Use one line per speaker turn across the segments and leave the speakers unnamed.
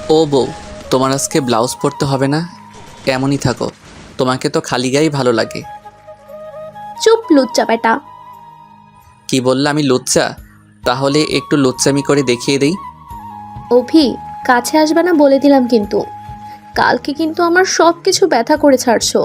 ও বউ, তোমার আজকে ব্লাউজ পরতে হবে না, এমনই থাকো। তোমাকে তো খালি গায়েই ভালো লাগে।
চুপ লুচ্চা বেটা।
কি বললে আমি লুচ্চা? তাহলে একটু লুচ্চামি করে দেখিয়ে দেই।
অভি, কাছে আসবে না বলে দিলাম কিন্তু। কালকে কিন্তু আমার সব কিছু ব্যথা করে ছাড়ছো।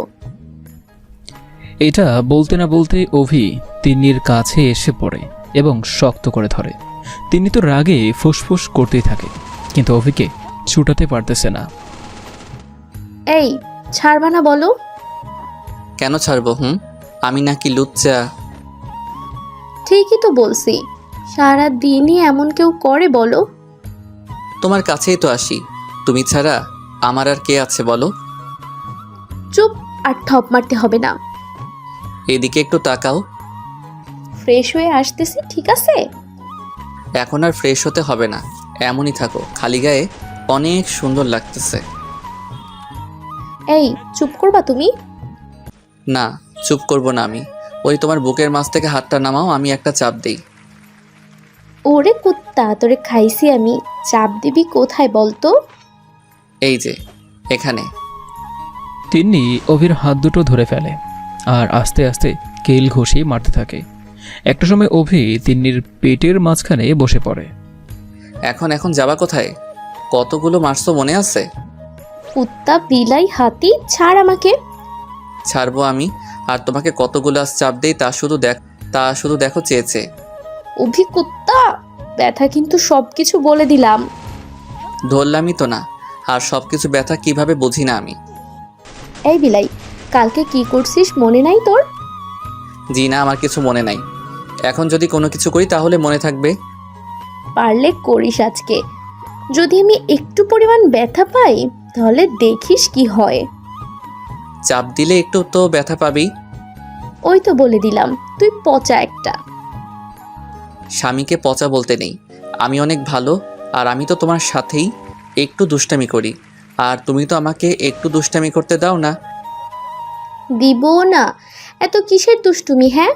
এটা বলতে না বলতে অভি তিন্নির কাছে এসে পড়ে এবং শক্ত করে ধরে। তিনি তো রাগে ফুসফুস করতেই থাকে, কিন্তু অভিকে ছুটাতে পারতেছে না।
এই, ছাড়বা না বলো।
কেন ছাড়বো? আমি নাকি লুচ্চা?
ঠিকই তো বলছি। সারা দিনই এমন কেউ করে বলো?
তোমার কাছেই তো আসি, তুমি ছাড়া আমার আর কে আছে বলো?
চুপ, আর ঠপ মারতে হবে না।
এদিকে একটু তাকাও।
ফ্রেশ হয়ে আসতেছি, ঠিক আছে?
এখন আর ফ্রেশ হতে হবে না, এমনই থাকো, খালি গায়ে অনেক সুন্দর লাগতেছে।
এই, চুপ করবা তুমি?
না, চুপ করব না আমি। ওই তোমার বুকের মাছ থেকে হাতটা নামাও, আমি একটা চাপ দেই।
ওরে কুত্তা, তোরে খাইছি আমি। চাপ দিবি কোথায় বলতো?
এই যে এখানে।
তিন্নি অভির হাত দুটো ধরে ফেলে আর আস্তে আস্তে কেল ঘষিয়ে মারতে থাকে। একটা সময় অভি তিন্নির পেটের মাঝখানে বসে পড়ে।
এখন এখন যাবা কোথায়? কতগুলো মারছো মনে আছে?
কুত্তা, বিলাই, হাতি, ছাড় আমাকে।
ছাড়বো আমি? আর তোমাকে কতগুলো আজ চাপ দেই তা শুধু দেখো চেয়েছে।
অভি কুত্তা, ব্যথা কিন্তু সবকিছু বলে দিলাম।
ধরলামই তো না, আর সব কিছু ব্যথা কিভাবে বুঝি না আমি?
এই বিলাই, কালকে কি করছিস মনে নাই তোর?
জি না, আমার কিছু মনে নাই। এখন যদি কোনো কিছু করি তাহলে মনে থাকবে।
পারলে করিস আজকে। যদি আমি একটু পরিমাণ ব্যথা পাই, তাহলে দেখিস কি হয়।
চাপ দিলে একটু তো ব্যথা পাবেই।
ওই তো বলে দিলাম, তুই পচা একটা।
স্বামীকে পচা বলতে নেই, আমি অনেক ভালো। আর আমি তো তোমার সাথেই একটু দুষ্টামি করি, আর তুমি তো আমাকে একটু দুষ্টামি করতে দাও না।
দিব না। এত কিসের দুষ্টুমি, হ্যাঁ?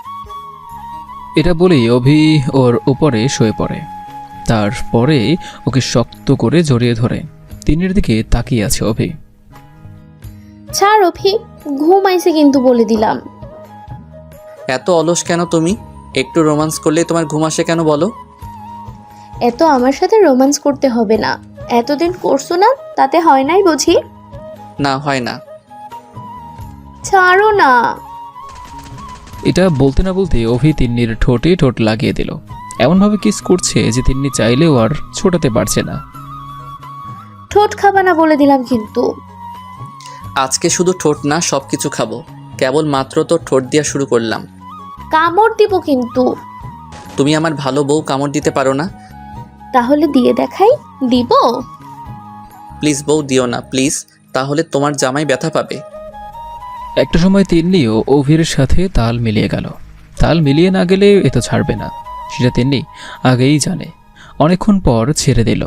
এটা বলেই অভি ওর উপরে শুয়ে পড়ে। তারপরে ওকে শক্ত করে জড়িয়ে ধরে তিন্নির দিকে তাকিয়ে আছে অভি।
ছাড় অভি, ঘুম আইছে কিন্তু বলে দিলাম।
এত অলস কেন তুমি? একটু রোমান্স করলেই তোমার ঘুম আসে কেন বলো?
এত আমার সাথে রোম্যান্স করতে হবে না। এতদিন করছো না, তাতে হয় নাই বুঝি?
না, হয় না।
ছাড়ো না।
এটা বলতে না বলতে অভি তিন্নির ঠোঁটে ঠোঁট লাগিয়ে দিল। এমনভাবে কিস করছে যে তিন্নি চাইলেও আর ছোটাতে পারছে না।
ঠোঁট খাবা না বলে দিলাম কিন্তু।
আজকে শুধু ঠোঁট না, সব কিছু খাবো। কেবল মাত্র তো ঠোঁট দিয়া শুরু করলাম।
কামড় দিব কিন্তু।
তুমি আমার ভালো বউ, কামড় দিতে পারো না?
তাহলে দিয়ে দেখাই। দিব?
প্লিজ বউ, দিও না প্লিজ, তাহলে তোমার জামাই ব্যথা পাবে।
একটা সময় তিন্নিও অভির সাথে তাল মিলিয়ে গেল। তাল মিলিয়ে না গেলে এ তো ছাড়বে না, সেটা তিন্নি আগেই জানে। অনেকক্ষণ পর ছেড়ে দিল।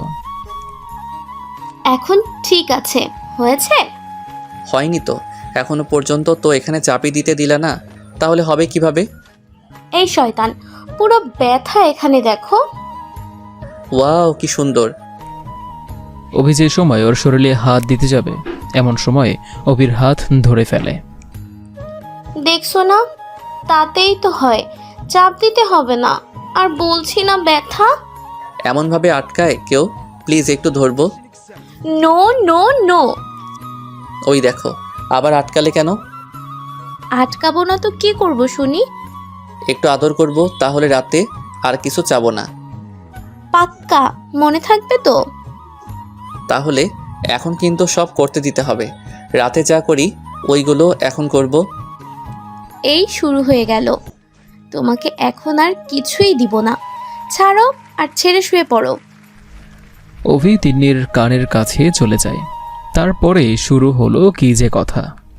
এখন ঠিক আছে, হয়েছে?
হয়নি তো, এখনো পর্যন্ত তো এখানে চাপি দিতে দিলা না, তাহলে হবে কিভাবে?
এই শয়তান, পুরো ব্যথা এখানে দেখো।
ওয়াও, কি সুন্দর।
অভি যে সময় ওর শরীরে হাত দিতে যাবে, এমন সময়ে অভির হাত ধরে ফেলে।
দেখছো না, তাতেই তো হয়। চাপ দিতে হবে না। আর বলছি না ব্যথা।
এমনভাবে আটকায় কেউ? প্লিজ একটু ধরবো।
No no no.
ওই দেখো, আবার আটকালে কেন?
আটকাবো না তো কি করব শুনি?
একটু আদর করব, তাহলে রাতে আর কিছু চাবো না।
পাক্কা মনে থাকবে তো?
তাহলে এখন কিন্তু সব করতে দিতে হবে। রাতে যা করি ওইগুলো এখন করব।
এই শুরু হয়ে গেল। তোমাকে এখন আর কিছুই দিব না। ছাড়ো, আর ছেড়ে শুয়ে পড়ো।
অভি তিন্নির কানের কাছে চলে যায়। তারপরে শুরু হলো কি যে কথা।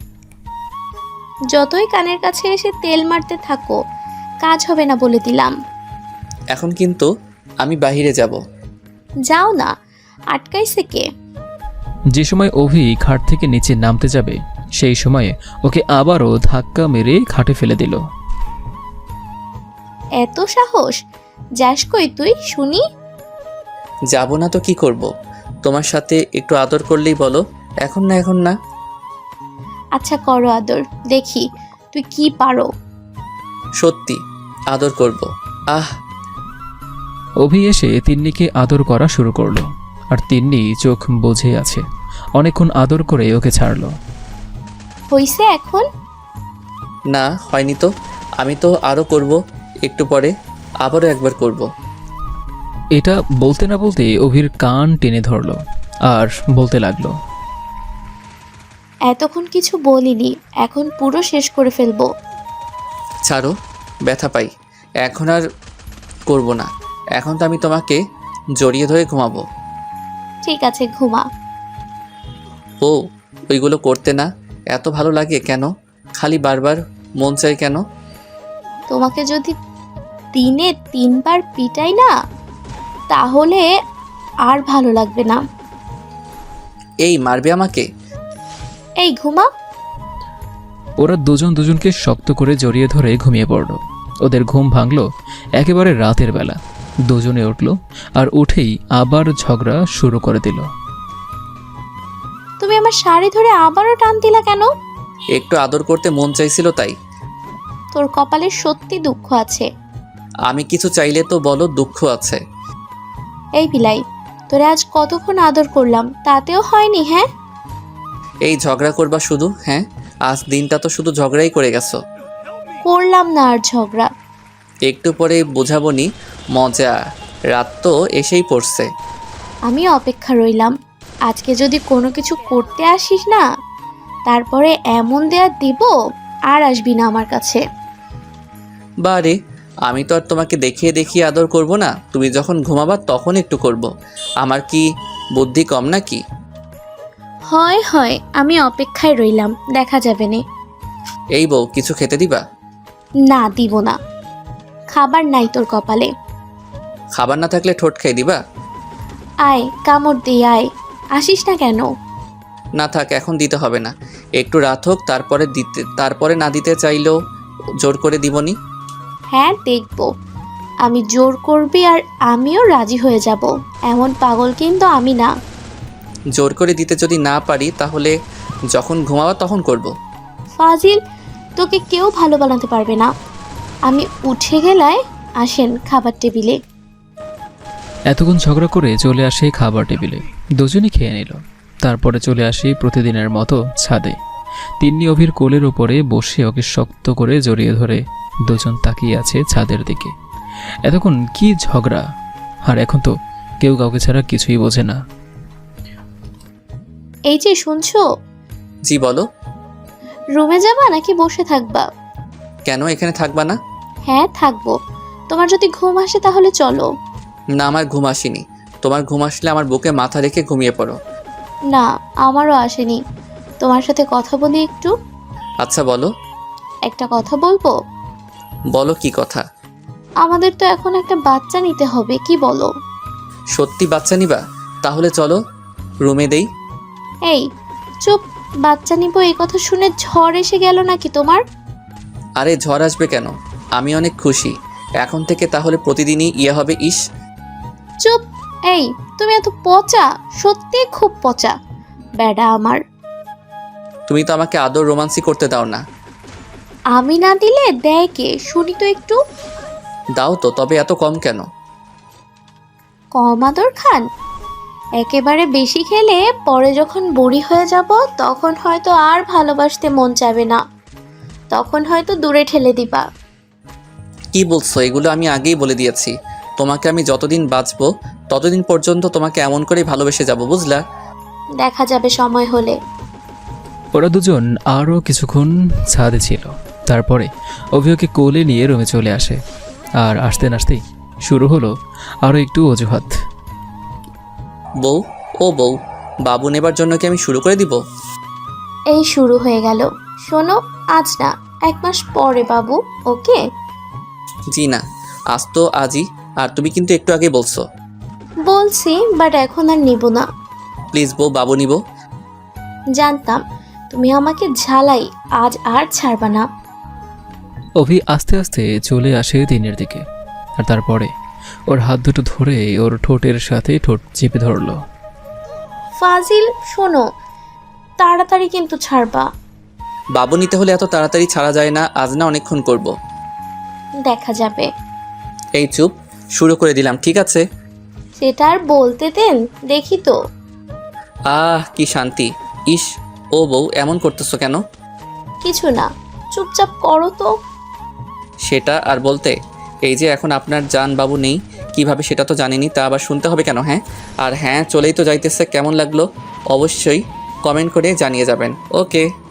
যতই কানের কাছে এসে তেল মারতে থাকো, কাজ হবে না বলে দিলাম।
এখন কিন্তু আমি বাইরে যাব।
যাও না, আটকাইছে কে?
যে সময় অভি খাট থেকে নিচে নামতে যাবে, সেই সময়ে ওকে আবারও ধাক্কা মেরে খাটে ফেলে দিল।
এত সাহস! যাস কই তুই শুনি?
যাব না তো কি করব? তোমার সাথে একটু আদর করলেই বলো। এখন না, এখন না।
আচ্ছা করো আদর, দেখি তুই কি পারো।
সত্যি আদর করব। আহ,
অভি এসে তিন্নিকে আদর করা শুরু করলো, আর তিন্নি চোখ বুজে আছে। অনেকক্ষণ আদর করে ওকে ছাড়লো।
হইছে এখন?
না হয়নি তো। আমি তো আরও করব, একটু পরে আবারও একবার করব।
এটা বলতে না বলতে অভির কান টেনে ধরলো আর বলতে লাগলো,
এতক্ষণ কিছু বলিনি, এখন পুরো শেষ করে ফেলবো।
ছাড়ো, ব্যথা পাই। এখন আর করব না। এখন তো আমি তোমাকে জড়িয়ে ধরে ঘুমাবো।
ঠিক আছে, ঘুমা।
ও, ওইগুলো করতে না এত ভালো লাগে কেন? খালি বারবার মন চাই কেন?
তোমাকে যদি দিনে 3বার পিটাই না, তাহলে আর ভালো লাগবে না।
এই মারবে আমাকে?
এই ঘুমা।
ওরা দুজন দুজনকে শক্ত করে জড়িয়ে ধরে ঘুমিয়ে পড়ল। ওদের ঘুম ভাঙল একেবারে রাতের বেলা। দুজনে উঠল আর উঠেই আবার ঝগড়া শুরু করে দিল।
তুমি আমার শাড়ি ধরে আবারও টান দিলা কেন?
একটু আদর করতে মন চাইছিল তাই।
তোর কপালে সত্যি দুঃখ আছে।
আমি কিছু চাইলে তো বলো দুঃখ আছে।
এই বিলাই, তোরে আজ কতক্ষণ আদর করলাম, তাতেও হয়নি? হ্যাঁ,
এই ঝগড়া করবা শুধু? হ্যাঁ, আজ দিনটা তো শুধু ঝগড়াই করে গেছো।
করলাম না আর ঝগড়া।
একটু পরে বোঝাবো নি মজা। রাত তো এসেই পড়ছে।
আমি অপেক্ষা রইলাম। আজকে যদি কোনো কিছু করতে আসিস না, তারপরে এমন দেয়া দিব আর আসবি না আমার কাছে।
বারে, আমি তো আর তোমাকে দেখিয়ে দেখিয়ে আদর করব না। তুমি যখন ঘুমাবা তখন একটু করব। আমার কি বুদ্ধি কম নাকি?
হয় হয়, আমি অপেক্ষায় রইলাম, দেখা যাবে নে।
এই বউ, কিছু খেতে দিবা?
না, দিব না। খাবার নাই তোর কপালে।
খাবার না থাকলে ঠোঁট খেয়ে দিবা?
আয়, কামড় দিয়ে আয়। আসিস না কেন?
না থাক, এখন দিতে হবে না। একটু রাত হোক, তারপরে না দিতে চাইলেও জোর করে দিবনি।
হ্যাঁ, দেখব। আমি জোর করবি আর আমিও রাজি হয়ে যাব, এমন পাগল কিন্তু আমি না।
জোর করে দিতে যদি না পারি তাহলে যখন ঘুমাবা তখন করব।
ফাজিল, তোকে কেউ ভালো বানাতে পারবে না। আমি উঠে গেলায় আসেন খাবার টেবিলে।
এতক্ষণ ঝগড়া করে চলে আসে খাবার টেবিলে। দুজনই খেয়ে নিল। তারপরে চলে আসি প্রতিদিনের মতো ছাদে। তিন্নি অভির কোলের ওপরে বসে ওকে শক্ত করে জড়িয়ে ধরে দুজন তাকিয়ে আছে ছাদের দিকে। এতক্ষণ কি ঝগড়া, আর এখন তো কেউ কাউকে ছাড়া কিছুই বোঝে না।
এই যে শুনছো,
জি বলো।
রুমে যাবা নাকি বসে থাকবা?
কেন, এখানে থাকবা না?
হ্যাঁ, থাকবো। তোমার যদি ঘুম আসে তাহলে চলো।
না, আমার ঘুম আসেনি। তোমার ঘুম আসলে আমার বুকে মাথা রেখে ঘুমিয়ে পড়ো।
না, আমারও আসেনি। তোমার সাথে কথা বলি একটু।
আচ্ছা বলো।
একটা কথা বলবো?
বলো, কি কথা?
আমাদের তো এখন একটা বাচ্চা নিতে হবে, কি বলো?
সত্যি বাচ্চা নিবা? তাহলে চলো রুমে দেই।
এই চুপ, বাচ্চা নিব এই কথা শুনে ঝড় এসে গেল নাকি তোমার?
আরে ঝড় আসবে কেন, আমি অনেক খুশি। এখন থেকে তাহলে প্রতিদিনই ইয়ে হবে। ইস,
চুপ। এই, তুমি এত পচা, সত্যি খুব পচা বেডা আমার।
তুমি তো আমাকে আদর রোমান্সি করতে দাও না।
আমি না দিলে দেয় কে, শুনি তো একটু।
দাও তো, তবে এত কম কেন?
কম আদর খান? একেবারে বেশি খেলে পরে যখন বুড়ি হয়ে যাব তখন হয়তো আর ভালোবাসতে মন চাবে না, তখন হয়তো দূরে ঠেলে দিবা।
কি বলছো এগুলো? আমি আগেই বলে দিয়েছি, তোমাকে আমি যতদিন বাঁচবো ততদিন পর্যন্ত তোমাকে এমন করেই ভালোবেসে যাব, বুঝলা?
দেখা যাবে সময় হলে।
ওরা দুজন আরও কিছুক্ষণ ছাদে ছিল। তারপরে অভিকে কোলে নিয়ে রুমে চলে আসে। আর আসতে নাসতেই শুরু হলো আরও একটু অজুহাত।
বউ, ও বউ, বাবু নেবার জন্য কি আমি শুরু করে দিব?
এই শুরু হয়ে গেল। শোনো, আজ না, 1 মাস পরে বাবু, ওকে?
জি না, আজ তো আজই। আর তুমি কিন্তু একটু আগে বলছো।
বলছি, বাট এখন আর নিব না।
প্লিজ বউ, বাবু নিব।
জানতাম তুমি আমাকে ঝালাই, আজ আর ছাড়বা না।
অভি আস্তে আস্তে চলে আসে তিনের দিকে, আর তারপরে ওর হাত দুটো ধরে ওর ঠোঁটের সাথে ঠোঁট চেপে ধরল।
ফাজিল, শোনো, তাড়াতাড়ি কিন্তু ছাড়বা।
বাবু নিতে হলে এত তাড়াতাড়ি ছাড়া যায় না, আজ না অনেকক্ষণ করব।
দেখা যাবে।
এই চুপ, শুরু করে দিলাম, ঠিক আছে?
সেটা আর বলতে দেন, দেখি তো।
কি শান্তি। ইস, ও বউ এমন করতেছো কেন?
কিছু না, চুপচাপ করো তো।
সেটা আর বলতে, এই যে এখন আপনার জান বাবু নেই, কিভাবে সেটা তো জানিনি, তা আবার শুনতে হবে কেন? হ্যাঁ, আর হ্যাঁ, চলেই তো যাইতেছে, কেমন লাগলো অবশ্যই কমেন্ট করে জানিয়ে যাবেন। ওকে।